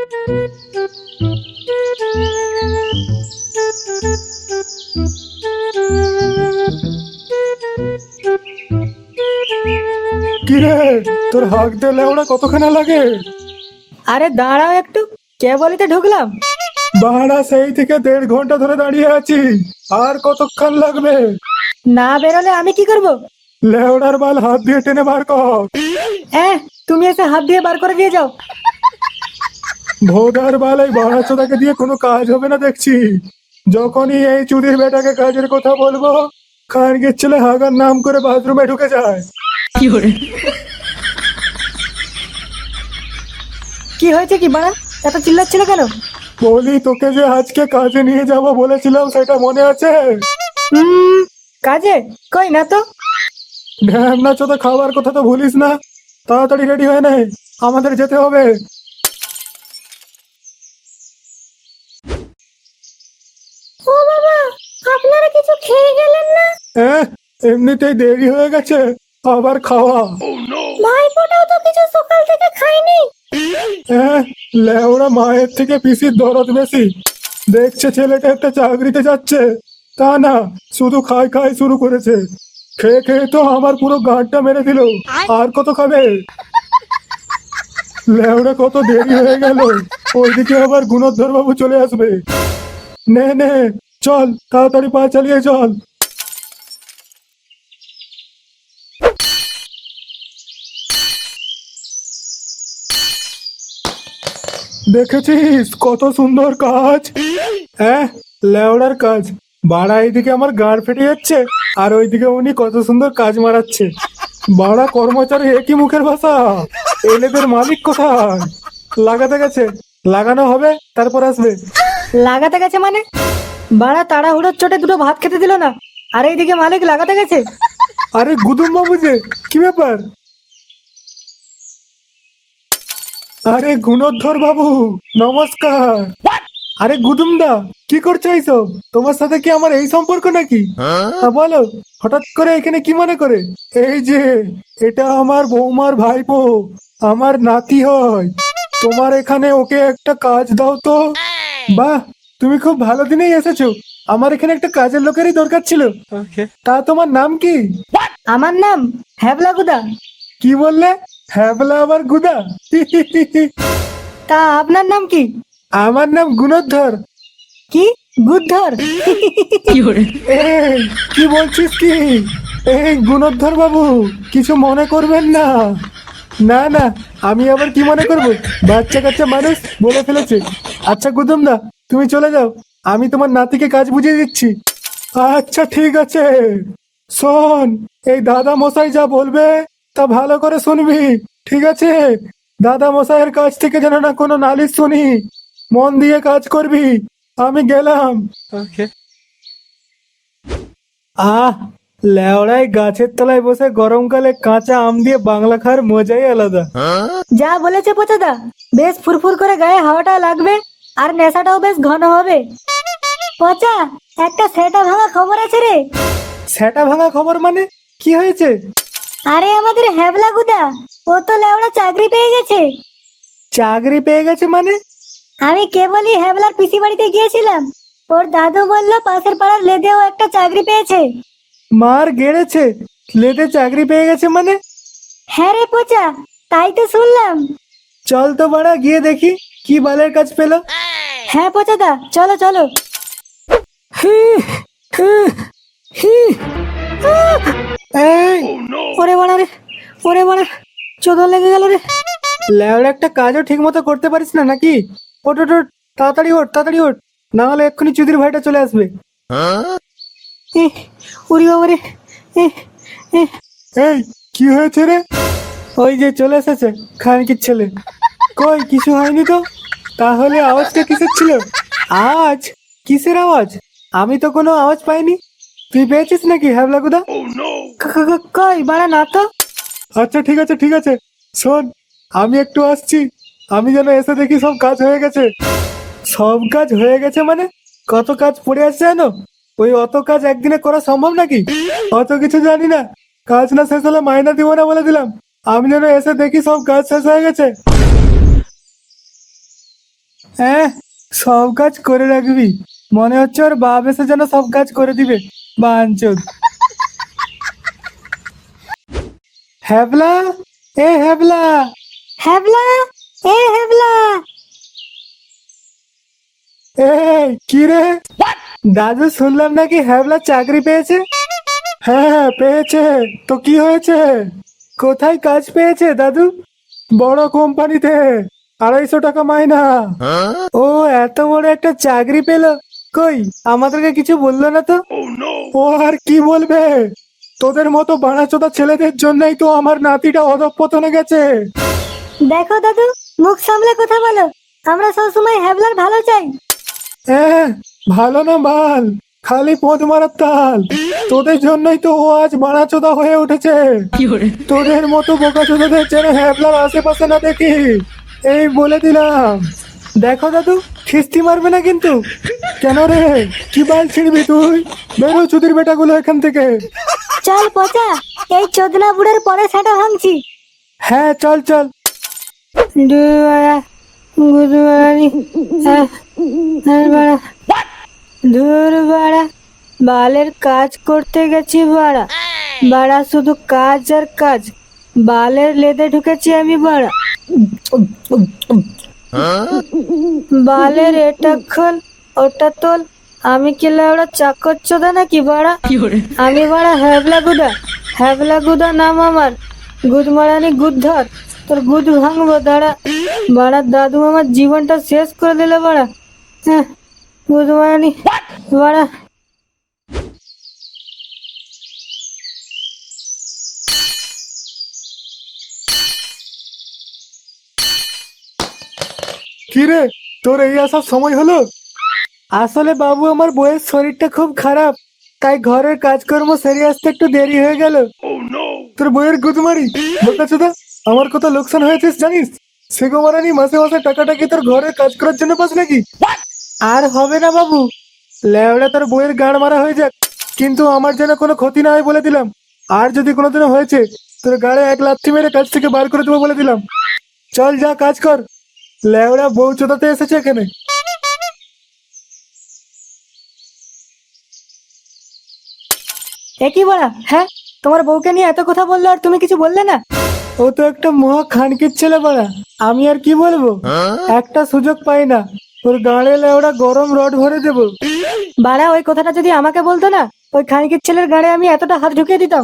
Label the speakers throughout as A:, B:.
A: কিরে, তোর হাঁক দিলে ওরা কতখানা লাগে?
B: আরে দাঁড়াও একটু, কেবলই ঢুকলাম।
A: বাড়া সেই থেকে 1.5 ঘন্টা ধরে দাঁড়িয়ে আছি, আর কতক্ষণ লাগবে?
B: না বেরোলে আমি কি করব?
A: লেওড়ার বাল হাত দিয়ে টেনে বার কর।
B: তুমি এসে হাত দিয়ে বার করে দিয়ে যাও।
A: ভোদার বাল, এই বাড়া চোদাকে দিয়ে কোনো কাজ হবে না দেখছি। যখনই এই চুদির বেটাকে কাজের কথা বলবো, খানগের ছেলে হাগার নাম করে বাথরুমে ঢুকে যায়।
B: কি হয়েছে কি বাড়া, এত চিল্লাচ্ছিল কেন?
A: বলি, তোকে যে আজকে কাজে নিয়ে যাব বলেছিলাম, সেটা মনে আছে?
B: কাজে কই না তো।
A: ঢ্যামনা চোদা, খাবার কথা তো ভুলিস না। তাড়াতাড়ি রেডি হয়ে নে, আমাদের যেতে হবে।
B: ও বাবা, আপনারা কিছু খেয়ে গেলেন না?
A: এমনিতেই দেরি হয়ে গেছে, আবার খাওয়া?
B: ভাইপোটাও তো কিছু সকাল থেকে খায়নি।
A: লেওড়া মায়ের থেকে পিসির দরদ বেশি। দেখছে ছেলেটা একটা চাকরিতে যাচ্ছে, তা না শুধু খাই খাই শুরু করেছে। খেয়ে খেয়ে তো আমার পুরো গাঁটটা মেরে দিল। আর কত খাবে? লেওড়া কত দেরি হয়ে গেল, ওইদিকে আবার গুণোদ্ধর বাবু চলে আসবে। নে নে, চল তাড়াতাড়ি পা চালিয়ে চল। দেখেছিস কত সুন্দর কাজ? লেওড়ার কাজ বাড়া, এইদিকে আমার গাঁড় ফেটে যাচ্ছে, আর ওইদিকে উনি কত সুন্দর কাজ মারাচ্ছে। বাড়া কর্মচারী একই মুখের ভাষা। এলেদের মালিক কোথায়? লাগাতে গেছে, লাগানো হবে তারপর আসবে।
B: লাগাতে গেছে মানে? বাড়া তাড়াহুড়োর চোটে দুটো ভাত খেতে দিল না, আর এইদিকে মালিক লাগাতে গেছে।
A: আরে গুদুম বাবু যে, কি ব্যাপার? আরে গুণোদ্ধর বাবু, নমস্কার। আরে গুদুম দা, কি করছো এইসব? তোমার সাথে কি আমার এই সম্পর্ক নাকি? বলো, হঠাৎ করে এখানে কি মনে করে? এই যে, এটা আমার বৌমার ভাইপো, আমার নাতি হয়। তোমার এখানে ওকে একটা কাজ দাও তো। বাহ, তুমি খুব ভালো দিনেই এসেছো। আমার এখানে একটা কাজের লোকেরই দরকার ছিল। তা তোমার নাম কি?
B: আমার নাম হ্যাবলা গুদা।
A: কি বললে? হ্যাবলা আবার গুদা?
B: তা আপনার নাম কি?
A: আমার নাম গুণোদ্ধর।
B: কি গুদ্ধর?
A: এই, কি বলছিস কি? এই গুণোদ্ধর বাবু, কিছু মনে করবেন না। না না, আমি আবার কি মনে করব? বাচ্চা কাচ্চা মানুষ বলে ফেলেছে। আচ্ছা গুদুম দা, তুমি চলে যাও, আমি তোমার নাতিকে কাজ বুঝিয়ে দিচ্ছি। আচ্ছা ঠিক আছে। শোন, এই দাদা মশাই যা বলবে তা ভালো করে শুনবি, ঠিক আছে? দাদা মশাইয়ের কাছ থেকে যেন না কোনো নালিশ শুনি। মন দিয়ে কাজ করবি। আমি গেলাম। আহ, লেওড়ায় গাছের তলায় বসে গরমকালে কাঁচা আম দিয়ে বাংলা খাওয়ার মজাই আলাদা।
B: যা বলেছে পোচাদা, বেশ ফুরফুর করে গায়ে হাওয়াটা লাগবে, আর নেশাটাও বেশ ঘন হবে। পচা, একটা সেটা ভাঙা খবর আছে রে।
A: সেটা ভাঙা খবর মানে? কি হয়েছে?
B: আরে আমাদের হ্যাবলা গুদা, ও তো লেওড়া চাকরি পেয়ে গেছে।
A: চাকরি পেয়ে গেছে মানে?
B: আমি কেবলই হ্যাবলার পিসি বাড়িতে গিয়েছিলাম, ওর দাদু বললো পাশের পাড়ার লেদেও একটা চাকরি পেয়েছে।
A: মার গেড়েছে? লেদে চাকরি পেয়ে গেছে মানে?
B: হ্যাঁ রে পচা, তাই তো শুনলাম।
A: চল তো বাড়া, গিয়ে দেখি কি বালের কাজ পেলো।
B: হ্যাঁ পচাদা, চলো চলো।
A: এই,
B: ওরে বাড়া রে, ওরে বাড়া, চোদন লেগে গেল রে।
A: লেওড়া একটা কাজও ঠিক মতো করতে পারিস না নাকি? ওঠ ওঠ ওঠ, তাড়াতাড়ি ওঠ তাড়াতাড়ি ওঠ, না হলে এক্ষুনি চুদির ভাইটা চলে আসবে।
B: উড়ি বাবা রে।
A: এই, কি হয়েছে রে? ওই যে চলে এসেছে খানকির ছেলে। কই, কিছু হয়নি তো? তাহলে আওয়াজটা কিসের ছিল? আওয়াজ? কিসের আওয়াজ? আমি তো কোনো আওয়াজ পাইনি। তুই পেয়েছিস নাকি হ্যাবলাগুদা?
B: কই বাড়া, না তো।
A: আচ্ছা ঠিক আছে ঠিক আছে, শোন, আমি একটু আসছি। আমি যেন এসে দেখি সব কাজ হয়ে গেছে। সব কাজ হয়ে গেছে মানে? কত কাজ পড়ে আছে জানো? ওই অত কাজ একদিনে করা সম্ভব নাকি? অত কিছু জানি না। কাজ না শেষ হলে মাইনা দিব না বলে দিলাম। আমি যেন এসে দেখি সব কাজ শেষ হয়ে গেছে। হ্যাঁ, সব কাজ করে রাখবি, মনে হচ্ছে ওর বাপ এসে যেন সব কাজ করে দিবে। বাঞ্চোদ। হ্যাবলা, এ হ্যাবলা।
B: হ্যাবলা, এ হ্যাবলা।
A: এই কি রে, দাদু শুনলাম নাকি হ্যাবলা চাকরি পেয়েছে? হ্যাঁ হ্যাঁ পেয়েছে। তো কি হয়েছে? কোথায় কাজ পেয়েছে দাদু? বড় কোম্পানিতে, 250 টাকা মাইনা। ও এত বড় একটা চাকরি পেলো, কই আমাদেরকে কিছু বললো না তো? ও আর কি বলবে, তোদের মতো বাড়াচোদা ছেলেদের জন্যই তো আমার নাতিটা অধঃপতনে গেছে।
B: দেখো দাদু, মুখ সামলে কথা বলো। আমরা সবসময় হ্যাবলার ভালো চাই।
A: হ্যাঁ, ভালো না বাল, খালি পদ মারার তাল। তোদের জন্যই তো ও আজ বাড়াচোদা হয়ে উঠেছে। তোদের মতো বোকাচোদাদের যেন হ্যাবলার আশেপাশে না দেখি, এই বলে দিলাম। দেখো দাদু, খিস্তি মারবে না কিন্তু। কেন রে, কি বাল ছিড়বি তুই? বেরো চুদির বেটাগুলো এখান থেকে।
B: চল পচা, এই চোদনা বুড়ের পরে সেটা ভাঙছি।
A: হ্যাঁ চল চল।
B: বালের কাজ করতে গেছি বাড়া, বাড়া শুধু কাজ আর কাজ। বালের লেদে ঢুকেছি আমি বাড়া। বালের এটা খোল, ওটা তোল। আমি কি লাউড়া চাকর চোদা নাকি বাড়া? আমি বাড়া হ্যাবলা গুদা নাম আমার। গুদ মারানি গুদ ধর, তোর গুদ ভাঙবো দাঁড়া। বাড়া দাদু আমার জীবনটা শেষ করে দিলে বাড়া। হ্যাঁ, গুদ মারানি বাড়া।
A: কি রে, তোর এই আসার সময় হলো? আসলে বাবু আমার বউয়ের শরীরটা খুব খারাপ, তাই ঘরের কাজকর্ম সেরে আসতে একটু দেরি হয়ে গেল। তোর বউয়ের গুদমারি বোকাচোদা, আমার কত লোকসান হয়েছে জানিস? সে গোমারানি মাসে মাসে টাকাটা কি তোর ঘরের কাজ করার জন্য পাস নাকি? আর হবে না বাবু, লেওড়া তোর বউয়ের গাড় মারা হয়ে যাক, কিন্তু আমার যেন কোনো ক্ষতি না হয় বলে দিলাম। আর যদি কোনোদিনও হয়েছে, তোর গাড়ে এক লাথি মেরে কাজ থেকে বার করে দেবো বলে দিলাম। চল যা কাজ কর, লেওড়া বউ চোদাতে এসেছে এখানে।
B: একই বাড়া, হ্যাঁ তোমার বউকে নিয়ে এত কথা বললো আর তুমি কিছু বললে না?
A: ও তো একটা মহা খানকির ছেলে বাড়া, আমি আর কি বলবো। একটা সুযোগ পাই না, ওর গাড়ে লেওড়া গরম রড ভরে দেবো।
B: বাড়া ওই কথাটা যদি আমাকে বলতো না, ওই খানিকের ছেলের গাড়ে আমি এতটা হাত ঢুকিয়ে দিতাম।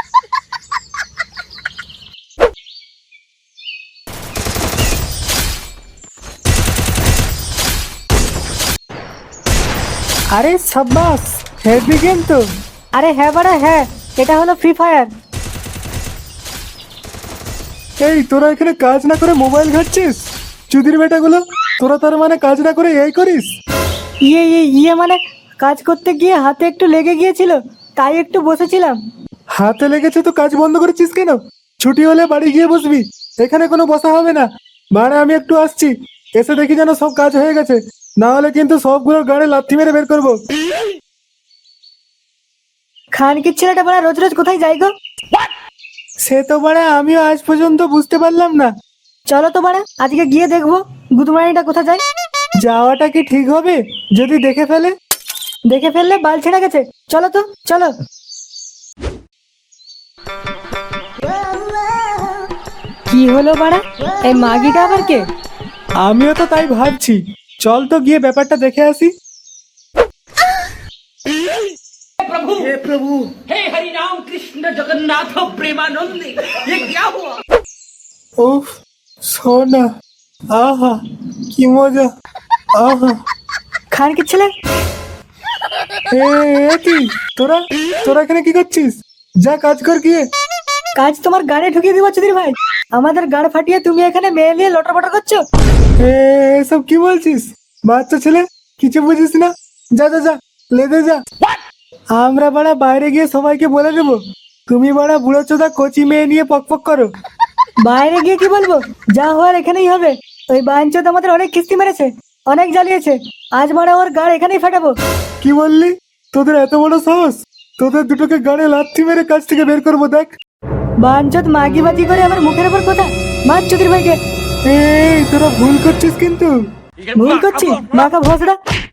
A: আরে সাব্বাস, হেভি গেম তো।
B: আরে হ্যাঁ বাড়া হ্যাঁ, এটা হলো ফ্রি ফায়ার।
A: এই তোরা এখানে কাজ না করে মোবাইল ঘাটছিস? চুদির বেটাগুলো, তোরা তার মানে কাজ না করে এই করিস?
B: ইয়ে মানে কাজ করতে গিয়ে হাতে একটু লেগে গিয়েছিল, তাই একটু বসেছিলাম।
A: হাতে লেগেছে তো কাজ বন্ধ করেছিস কেন? ছুটি হলে বাড়ি গিয়ে বসবি, এখানে কোনো বসা হবে না। মানে আমি একটু আসছি, এসে দেখি যেন সব কাজ হয়ে গেছে, না হলে কিন্তু সবগুলোর গাড়ি লাথি মেরে বের করবো।
B: খানকির ছেলেটা বাড়া রোজ রোজ কোথায় যাই গো?
A: সে তো বাড়া আমিও আজ পর্যন্ত বুঝতে পারলাম না।
B: চলো তো বাড়া আজকে গিয়ে দেখবো গুদমানিটা কোথায় যায়।
A: যাওয়াটা কি ঠিক হবে যদি দেখে ফেলে?
B: দেখে ফেললে বাল ছেড়ে গেছে, চলো তো চলো। কি হলো বাড়া, এই মাগিটা আবার কে?
A: আমিও তো তাই ভাবছি, চল তো গিয়ে ব্যাপারটা দেখে আসি।
C: प्रभु हे हरि राम कृष्ण जगन्नाथ प्रेमानंद ये क्या हुआ?
A: উফ, সোনা, আহা কি মজা, আহা।
B: খানকির ছেলে,
A: এ এ কি, তোরা তোরা এখানে কি করছিস? যা কাজ কর গিয়ে।
B: কাজ তোমার গাড়ি ঢুকিয়ে দিবা চুদির ভাই। আমাদের গাড় ফাটিয়ে তুমি এখানে মেয়ে নিয়ে লটর পটর করছো।
A: এসব কি বলছিস? বাচ্চা ছেলে, কিছু বুঝিস না। যা যা যা, লেদে যা। আমরা বাড়া বাইরে গিয়ে সবাইকে বলে দেবো তুমি বাড়া বুড়ো চোদা কচি মেয়ে নিয়ে পকপক করো।
B: বাইরে গিয়ে কি বলবো, যা হওয়ার এখানেই হবে। ওই বাঞ্চোদ আমাদের অনেক কিস্তি মেরেছে, অনেক জ্বালিয়েছে। আজ মারা ওর গাড় এখানেই ফাটাবো।
A: কি বললি? তোদের এত বড় সাহস? তোদের দুটোকে গাড়ি লাথি মেরে কাজ থেকে বের করবো দেখ।
B: বাঞ্চোদ মাগিবাজি করে আমার মুখের উপর কথা। মার চুদির ভাইকে।
A: এই তোরা ভুল করছিস কিন্তু।
B: ভুল করছি মাকা ভসড়া